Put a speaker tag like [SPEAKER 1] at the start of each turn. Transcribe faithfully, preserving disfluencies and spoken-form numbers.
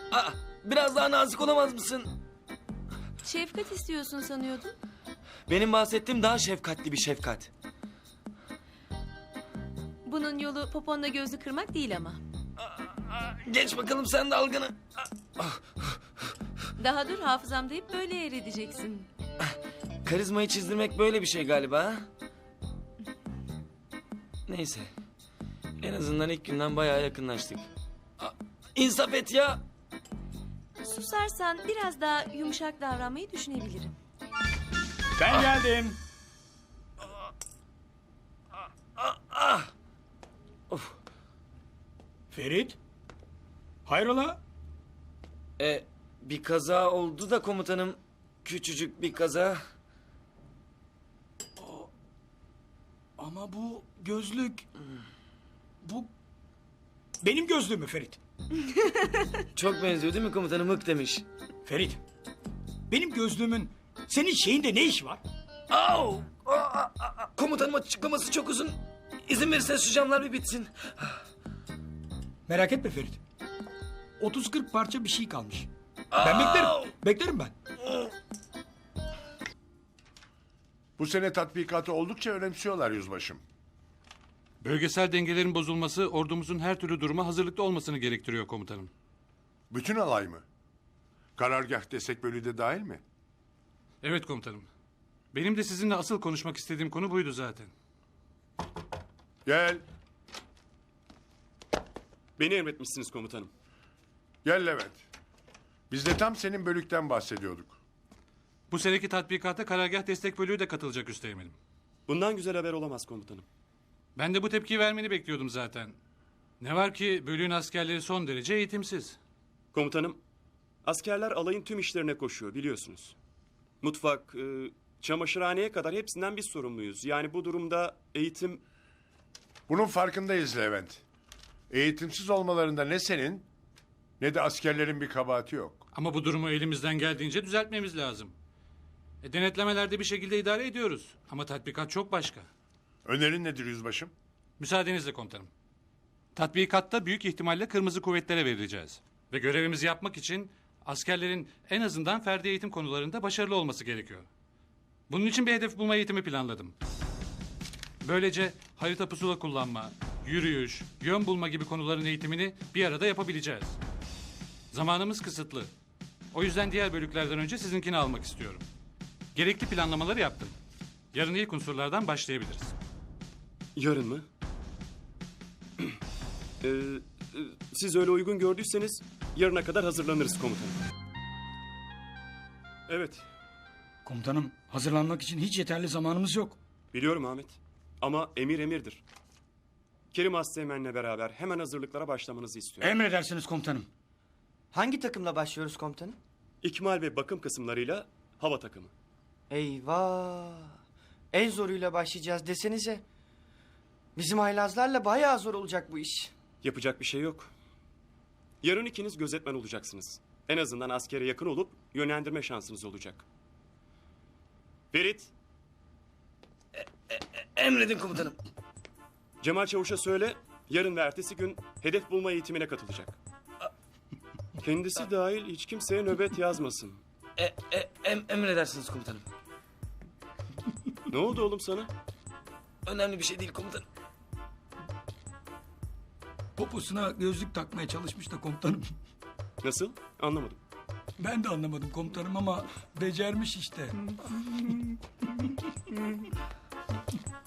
[SPEAKER 1] Aa, biraz daha nazik olamaz mısın?
[SPEAKER 2] Şefkat istiyorsun sanıyordum.
[SPEAKER 1] Benim bahsettiğim daha şefkatli bir şefkat.
[SPEAKER 2] Bunun yolu poponla gözü kırmak değil ama.
[SPEAKER 1] Geç bakalım sen dalgını.
[SPEAKER 2] Daha dur, hafızamda hep böyle yer edeceksin.
[SPEAKER 1] Karizmayı çizdirmek böyle bir şey galiba. Ha? Neyse. En azından ilk günden bayağı yakınlaştık. Aa, İnsaf et ya.
[SPEAKER 2] Susarsan biraz daha yumuşak davranmayı düşünebilirim.
[SPEAKER 3] Ben geldim.
[SPEAKER 1] Of.
[SPEAKER 3] Ferit. Hayrola?
[SPEAKER 1] E, bir kaza oldu da komutanım. Küçücük bir kaza.
[SPEAKER 3] Ama bu gözlük... Bu... Benim gözlüğüm mü Ferit?
[SPEAKER 1] Çok benziyor değil mi komutanım? Hık demiş.
[SPEAKER 3] Ferit. Benim gözlüğümün senin şeyinde ne iş var?
[SPEAKER 1] Au! Aa, aa, aa. Komutanım açıklaması çok uzun. İzin verirseniz şu camlar bir bitsin.
[SPEAKER 3] Merak etme Ferit. otuz kırk parça bir şey kalmış. Ben beklerim. Beklerim ben.
[SPEAKER 4] Bu sene tatbikatı oldukça önemsiyorlar yüzbaşım.
[SPEAKER 5] Bölgesel dengelerin bozulması ordumuzun her türlü duruma hazırlıklı olmasını gerektiriyor komutanım.
[SPEAKER 4] Bütün alay mı? Karargah destek bölüğü de dahil mi?
[SPEAKER 5] Evet komutanım. Benim de sizinle asıl konuşmak istediğim konu buydu zaten.
[SPEAKER 4] Gel.
[SPEAKER 6] Beni emretmişsiniz komutanım.
[SPEAKER 4] Gel Levent. Biz de tam senin bölükten bahsediyorduk.
[SPEAKER 5] Bu seneki tatbikata karargah destek bölüğü de katılacak üsteğmenim.
[SPEAKER 6] Bundan güzel haber olamaz komutanım.
[SPEAKER 5] Ben de bu tepkiyi vermeni bekliyordum zaten. Ne var ki bölüğün askerleri son derece eğitimsiz.
[SPEAKER 6] Komutanım, askerler alayın tüm işlerine koşuyor biliyorsunuz. Mutfak, e, çamaşırhaneye kadar hepsinden biz sorumluyuz. Yani bu durumda eğitim...
[SPEAKER 4] Bunun farkındayız Levent. Eğitimsiz olmalarında ne senin ne de askerlerin bir kabahati yok.
[SPEAKER 5] Ama bu durumu elimizden geldiğince düzeltmemiz lazım. E, denetlemelerde bir şekilde idare ediyoruz. Ama tatbikat çok başka.
[SPEAKER 4] Önerin nedir yüzbaşım?
[SPEAKER 5] Müsaadenizle komutanım. Tatbikatta büyük ihtimalle kırmızı kuvvetlere verileceğiz. Ve görevimizi yapmak için askerlerin en azından ferdi eğitim konularında başarılı olması gerekiyor. Bunun için bir hedef bulma eğitimi planladım. Böylece harita pusula kullanma, yürüyüş, yön bulma gibi konuların eğitimini bir arada yapabileceğiz. Zamanımız kısıtlı. O yüzden diğer bölüklerden önce sizinkini almak istiyorum. Gerekli planlamaları yaptım. Yarın ilk unsurlardan başlayabiliriz.
[SPEAKER 6] Yarın mı? Ee, e, siz öyle uygun gördüyseniz yarına kadar hazırlanırız komutanım. Evet,
[SPEAKER 3] Komutanım, hazırlanmak için hiç yeterli zamanımız yok.
[SPEAKER 6] biliyorum Ahmet. Ama emir emirdir. Kerim Asteğmen'le beraber hemen hazırlıklara başlamanızı istiyorum.
[SPEAKER 3] Emredersiniz komutanım.
[SPEAKER 7] Hangi takımla başlıyoruz komutanım?
[SPEAKER 6] İkmal ve bakım kısımlarıyla hava takımı.
[SPEAKER 7] Eyvah! En zoruyla başlayacağız desenize. Bizim haylazlarla bayağı zor olacak bu iş.
[SPEAKER 6] Yapacak bir şey yok. Yarın ikiniz gözetmen olacaksınız. En azından askere yakın olup yönlendirme şansınız olacak. Ferit,
[SPEAKER 1] Emredin komutanım.
[SPEAKER 6] Cemal Çavuş'a söyle, yarın ve ertesi gün hedef bulma eğitimine katılacak. Kendisi dahil hiç kimseye nöbet yazmasın.
[SPEAKER 1] E, e, em, emredersiniz komutanım.
[SPEAKER 6] Ne oldu oğlum sana?
[SPEAKER 1] Önemli bir şey değil komutanım.
[SPEAKER 3] Poposuna gözlük takmaya çalışmış da komutanım.
[SPEAKER 6] Nasıl? Anlamadım.
[SPEAKER 3] Ben de anlamadım komutanım ama becermiş işte.